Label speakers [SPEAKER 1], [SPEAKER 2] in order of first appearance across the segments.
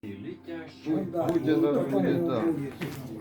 [SPEAKER 1] Летящий.
[SPEAKER 2] да,
[SPEAKER 3] Будь
[SPEAKER 2] ну,
[SPEAKER 3] это
[SPEAKER 2] такому
[SPEAKER 3] будет, да.
[SPEAKER 2] будет.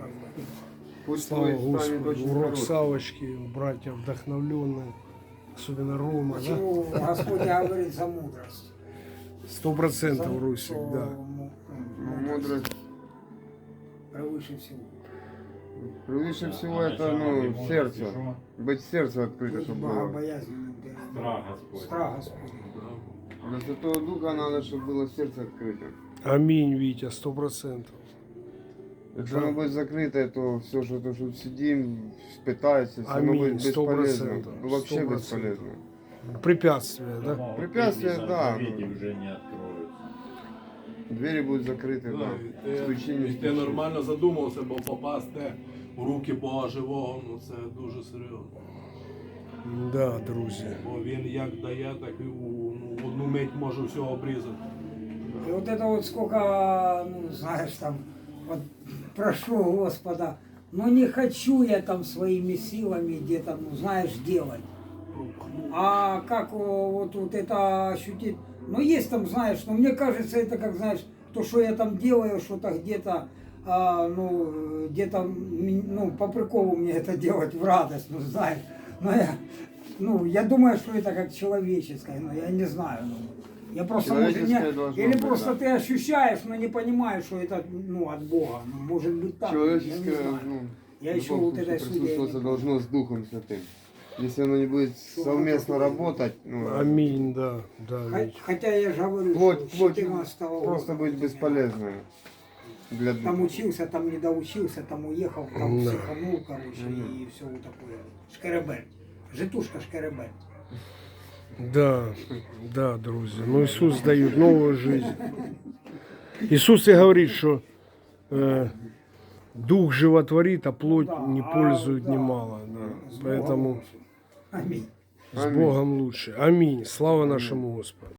[SPEAKER 3] Пусть
[SPEAKER 4] Слава
[SPEAKER 3] твой станет
[SPEAKER 4] Господу.
[SPEAKER 3] очень
[SPEAKER 4] Урок
[SPEAKER 3] хорошим.
[SPEAKER 4] Савочки, братья вдохновленные, особенно Рома, да?
[SPEAKER 2] Почему Господь говорит за мудрость?
[SPEAKER 4] 100% Русик,
[SPEAKER 2] Что,
[SPEAKER 4] да.
[SPEAKER 3] Мудрость.
[SPEAKER 2] Превыше всего.
[SPEAKER 3] Превыше всего это, ну, сердце. Быть сердце открыто,
[SPEAKER 2] Быть
[SPEAKER 3] чтобы было.
[SPEAKER 2] богобоязненным.
[SPEAKER 1] Страх Господь.
[SPEAKER 2] Страх Господь.
[SPEAKER 3] Для Святого Духа надо, чтобы было сердце открыто.
[SPEAKER 4] Аминь, Витя, 100%.
[SPEAKER 3] Если
[SPEAKER 4] Да.
[SPEAKER 3] оно будет закрытое, то все, что тут сидим, пытается, все равно
[SPEAKER 4] Аминь,
[SPEAKER 3] будет бесполезно.
[SPEAKER 4] 100%,
[SPEAKER 3] Ну, вообще
[SPEAKER 4] 100%.
[SPEAKER 3] бесполезно.
[SPEAKER 4] Препятствия, да?
[SPEAKER 3] Препятствия, да,
[SPEAKER 1] Заповеди
[SPEAKER 3] ну.
[SPEAKER 1] уже не откроются.
[SPEAKER 3] Двери будут закрыты, да.
[SPEAKER 5] І
[SPEAKER 3] Стучи, не
[SPEAKER 5] ти
[SPEAKER 3] стучи.
[SPEAKER 5] нормально задумався, бо попасти в руки Бога живого, ну це дуже серйозно.
[SPEAKER 4] Да, друзі.
[SPEAKER 5] Бо він як дає, так і в одну мить може все обрізати.
[SPEAKER 2] И вот это вот сколько, ну, знаешь, там, вот прошу Господа, но не хочу я там своими силами где-то, ну, знаешь, делать. А как вот это ощутить? Ну, есть там, знаешь, но мне кажется, это как, знаешь, то, что я там делаю, что-то где-то, ну, где-то, ну, по приколу мне это делать в радость, ну, знаешь. Но я думаю, что это как человеческое, но я не знаю. Ну, я просто, может,
[SPEAKER 3] Человеческое должно
[SPEAKER 2] или
[SPEAKER 3] быть,
[SPEAKER 2] просто
[SPEAKER 3] да.
[SPEAKER 2] ты ощущаешь, но не понимаешь, что это, ну, от Бога. Ну, может быть так. я не
[SPEAKER 3] Человеческое,
[SPEAKER 2] знаю.
[SPEAKER 3] ну,
[SPEAKER 2] Я
[SPEAKER 3] в
[SPEAKER 2] еще
[SPEAKER 3] любом
[SPEAKER 2] вот
[SPEAKER 3] случае
[SPEAKER 2] этой судьей
[SPEAKER 3] присутствоваться
[SPEAKER 2] не
[SPEAKER 3] должно с Духом Святым. Если оно не будет совместно работать, ну,
[SPEAKER 4] Аминь, да, да, Витя.
[SPEAKER 2] Хотя я же говорю,
[SPEAKER 3] плоть,
[SPEAKER 2] что с
[SPEAKER 3] плоть
[SPEAKER 2] 14 года
[SPEAKER 3] просто будет бесполезной для
[SPEAKER 2] там
[SPEAKER 3] Духа.
[SPEAKER 2] учился, там не доучился, там уехал, там
[SPEAKER 4] Да.
[SPEAKER 2] психанул, короче, и все вот такое. Шкереберть. Житушка шкереберть.
[SPEAKER 4] Да, да, друзі. Ну Ісус дає нову життя. Ісус і говорить, що дух животворит, а плоть не пользует немало. Да.
[SPEAKER 2] С Богом
[SPEAKER 4] Поэтому
[SPEAKER 2] лучше. Аминь.
[SPEAKER 4] с Богом лучше. Аминь. Слава нашему Господу.